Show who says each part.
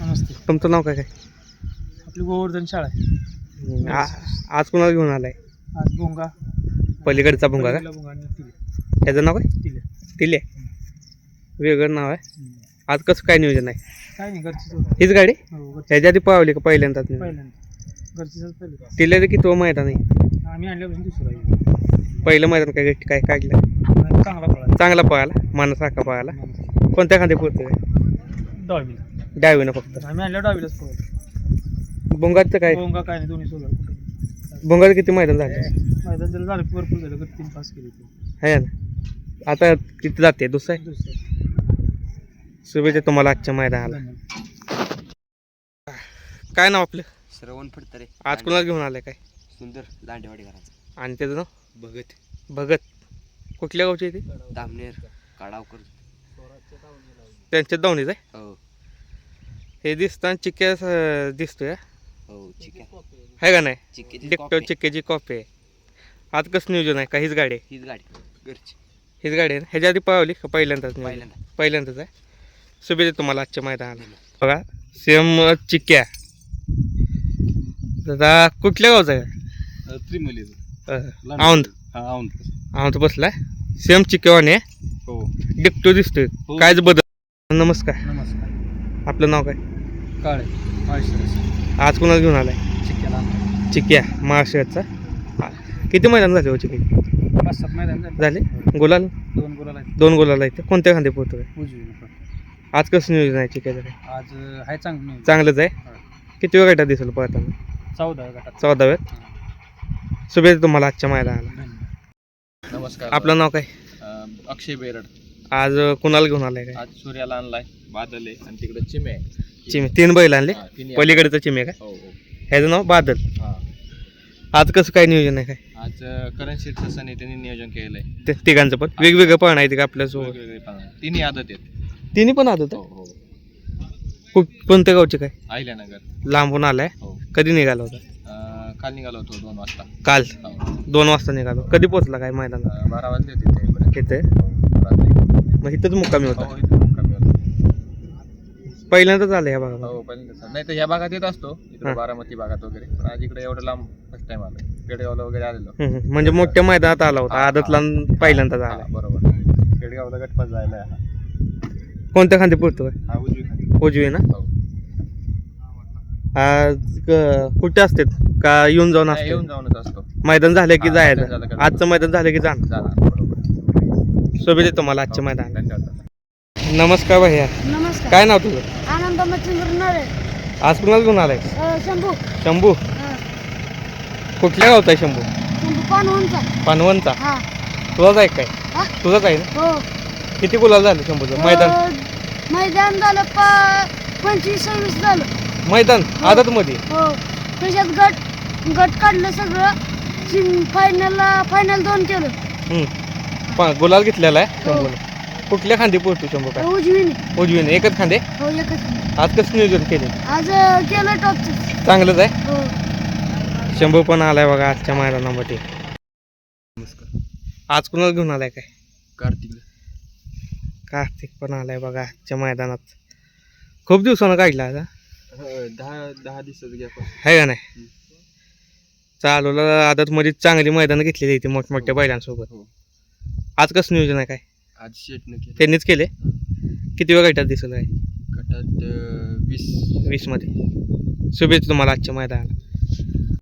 Speaker 1: नमस्ते.
Speaker 2: तुमचं नाव काय काय?
Speaker 1: आपली गोवर्धन शाळा आहे.
Speaker 2: आज कोणाला घेऊन आलाय?
Speaker 1: आज भोंगा
Speaker 2: पलीकडचा भुंगा का?
Speaker 1: भोंगा आणि तिले
Speaker 2: त्याचं नाव काय?
Speaker 1: तिले
Speaker 2: तिले वेगळं नाव आहे. आज कसं काय नियोजन आहे?
Speaker 1: काय नाही घरचीच
Speaker 2: हीच गाडी
Speaker 1: हो घरची
Speaker 2: ह्याच्या आधी पावली का पहिल्यांदाच?
Speaker 1: पहिल्यांदा घरचीच पहिलं
Speaker 2: तिला की तो मैदान आहे
Speaker 1: आम्ही आणल्यापासून दुसरं आहे.
Speaker 2: पहिलं मैदान काय काय काढलं?
Speaker 1: नाही, चांगला पळा
Speaker 2: चांगला पळाला मानसारखा पळाला. कोणत्या खांदे पोहतोय?
Speaker 1: डावीला
Speaker 2: डावीनं फक्त.
Speaker 1: आम्ही आणल्या डावीलाच पळतो.
Speaker 2: भुंगाचं काय?
Speaker 1: भोंगा काय नाही दोन्ही सोबत
Speaker 2: भुंगाचं किती मैदान झाले?
Speaker 1: मैदान त्याला झालं भरपूर झालं गट 3 पास केली
Speaker 2: आहे ना. आता किती जाते? दुसरं आहे.
Speaker 1: दुसरं
Speaker 2: शुभेच्छा तुम्हाला आजच्या मैदानाला.
Speaker 1: धन्यवाद.
Speaker 2: काय नाव आपलं?
Speaker 3: श्रवण फडतरे.
Speaker 2: आज कोणाला घेऊन आलाय काय?
Speaker 3: सुंदर दांडेवाडी घराचा
Speaker 2: आणि त्याचं नाव?
Speaker 3: भगत
Speaker 2: भगत. कुठल्या गावचे ते?
Speaker 3: दामनेर काडावकर.
Speaker 2: त्यांच्या दावणीच आहे.
Speaker 3: हो
Speaker 2: हे दिसताना चिक्क्या दिसतोय
Speaker 3: हो चिक्या
Speaker 2: आहे का नाही?
Speaker 3: चिक्याची
Speaker 2: डिक्टो
Speaker 3: कॉफी.
Speaker 2: चिक्क्याची कॉफी आहे. आज कसं नियोजन आहे का? हीच गाडी आहे?
Speaker 3: हीच गाडी घरची
Speaker 2: हीच गाडी आहे ना? ह्याच्या आधी पावली का पहिल्यांदाच?
Speaker 3: पहिल्यांदा.
Speaker 2: पहिल्यांदाच आहे. शुभेच्छा तुम्हाला आजच्या मैदानाला. बघा सेम चिक्क्या. दादा कुठल्या गावचा आहे?
Speaker 3: त्रिमलीचं
Speaker 2: औंध.
Speaker 3: हा औंध.
Speaker 2: औंध बसलाय. सेम चिक्क्यावाने
Speaker 3: हो
Speaker 2: डिक्टो दिसतोय.
Speaker 3: हो.
Speaker 2: कायच बदल? नमस्कार.
Speaker 1: नमस्कार.
Speaker 2: आपलं नाव काय?
Speaker 1: काळे माळशिरस
Speaker 2: आज कोणाला घेऊन आलाय?
Speaker 1: चिक्क्याला
Speaker 2: चिक्क्या महाराष्ट्राचा. किती मैदान झाले हो चिक्की?
Speaker 1: 5-7 मैदान
Speaker 2: झाले? गुलाल
Speaker 1: 2 गोलाला आहेत.
Speaker 2: 2 गुलाल आहेत. कोणत्या खांदे पोहतोय?
Speaker 1: उजवीनं.
Speaker 2: आज कसं नियोजन आहे चिक्क्याचं काय?
Speaker 1: आज आहे चांगलं
Speaker 2: चांगलंच आहे. किती वेळ गटात दिसेल पळताना?
Speaker 1: 14 गटात.
Speaker 2: 14व्यात. शुभेच्छा तुम्हाला आजच्या मैदानाला.
Speaker 1: धन्यवाद.
Speaker 3: नमस्कार.
Speaker 2: आपलं नाव काय?
Speaker 3: अक्षय बेरड.
Speaker 2: आज कुणाला घेऊन आलाय काय?
Speaker 3: आज सूर्याला आणलाय बादल आहे आणि तिकडे चिमे आहे.
Speaker 2: चिमे 3 बैल आणले.
Speaker 3: हा, तिन्ही
Speaker 2: पलीकडचं चिमे का?
Speaker 3: हो हो
Speaker 2: ह्याचं नाव बादल.
Speaker 3: हा.
Speaker 2: आज कसं काय नियोजन आहे काय?
Speaker 3: आज करण शेठ ससाने त्यांनी नियोजन केलंय.
Speaker 2: ते तिघांचं पण वेगवेगळं पण आहे का आपल्यासोबत?
Speaker 3: वेगवेगळे पानं. तिन्ही आदत आहेत.
Speaker 2: तिन्ही पण आदत
Speaker 3: हो
Speaker 2: आहे.
Speaker 3: हो
Speaker 2: कोणत्या गावचे काय?
Speaker 3: अहिल्यानगर.
Speaker 2: लांबून आलाय.
Speaker 3: हो
Speaker 2: कधी निघाला होता?
Speaker 3: काल निघालो होतो 2 वाजता.
Speaker 2: काल
Speaker 3: हो.
Speaker 2: 2 वाजता निघालो. कधी पोहोचला काय मैदानात?
Speaker 3: 12 वाजले होते तिथे.
Speaker 2: किती?
Speaker 3: रात्री.
Speaker 2: मग इथंच मुक्कामी होता.
Speaker 3: हो इथे मुक्कामी होतो.
Speaker 2: पहिल्यांदाच आलं ह्या भागात?
Speaker 3: हो पहिल्यांदा. नाही तर ह्या भागात येत असतो इकडे
Speaker 2: हा.
Speaker 3: बारामती भागात वगैरे. पण आज इकडे एवढं लांब फर्स्ट टाइम आलो. पेडगावला वगैरे आलेलो.
Speaker 2: म्हणजे मोठ्या मैदानात आला होता.
Speaker 3: हा,
Speaker 2: आदतला पहिल्यांदाच
Speaker 3: हा,
Speaker 2: आला.
Speaker 3: बरोबर. पेडगावला गटपास जायला आहे हा.
Speaker 2: कोणत्या खांदे पोहतो काय?
Speaker 3: हा उजवी खाली.
Speaker 2: उजवी ना?
Speaker 3: हो.
Speaker 2: आज कुठे असते का येऊन जाऊन
Speaker 3: नाही,
Speaker 2: असते?
Speaker 3: येऊन जाऊनच असतो.
Speaker 2: मैदान झालं की
Speaker 3: हा, मैदान झालं
Speaker 2: जायचं.
Speaker 3: का
Speaker 2: आजचं मैदान झालं की जाणं.
Speaker 3: जाणार बरोबर.
Speaker 2: शुभेच्छा तुम्हाला आजच्या मैदान.
Speaker 3: धन्यवाद.
Speaker 2: नमस्कार भैया.
Speaker 4: नमस्कार.
Speaker 2: काय नाव तुझं?
Speaker 4: आनंद मच्छिंद्र नरे.
Speaker 2: आज कुणाला घेऊन आलाय?
Speaker 4: शंभू.
Speaker 2: शंभू. कुठल्या गावचा आहे शंभू?
Speaker 4: शंभू पानवनचा.
Speaker 2: पानवनचा.
Speaker 4: हा.
Speaker 2: तुझाच आहे काय?
Speaker 4: हा?
Speaker 2: तुझाच आहे ना?
Speaker 4: हो.
Speaker 2: किती गुलाल झालं शंभूचं? मैदान
Speaker 4: मैदान झालं 25-26 झालं.
Speaker 2: मैदान आदत मध्ये.
Speaker 4: हो. त्याच्यात गट काढलं सगळं. फायनल 2 केलं.
Speaker 2: गुलाल घेतलेला आहे शंभूने. कुठल्या खांदे पोहोचतो शंभू काय?
Speaker 4: उजवीने.
Speaker 2: उजवीने एकच खांदे.
Speaker 4: हो एकच.
Speaker 2: आज कसं नियोजन केले?
Speaker 4: आज केलं टॉपचं.
Speaker 2: चांगलंच आहे.
Speaker 4: हो.
Speaker 2: शंभू पण आलाय बघा आजच्या मैदानामध्ये. आज कुणाला घेऊन आलाय काय?
Speaker 3: कार्तिक.
Speaker 2: कार्तिक पण आलाय बघा आजच्या मैदानात. खूप दिवसानं काढला आता.
Speaker 3: 10 दिवसाचं गॅप.
Speaker 2: आहे का नाही? चालूला आदत मध्ये चांगली मैदानं घेतलेली इथे मोठमोठ्या बैलांसोबत.
Speaker 3: हो.
Speaker 2: आज कसं नियोजन आहे काय?
Speaker 3: आज शेटनं केलं.
Speaker 2: त्यांनीच केले. किती वेळ गटात दिसत आहे?
Speaker 3: गटात 20.
Speaker 2: 20 मध्ये. शुभेच्छा तुम्हाला आजच्या मैदानाला.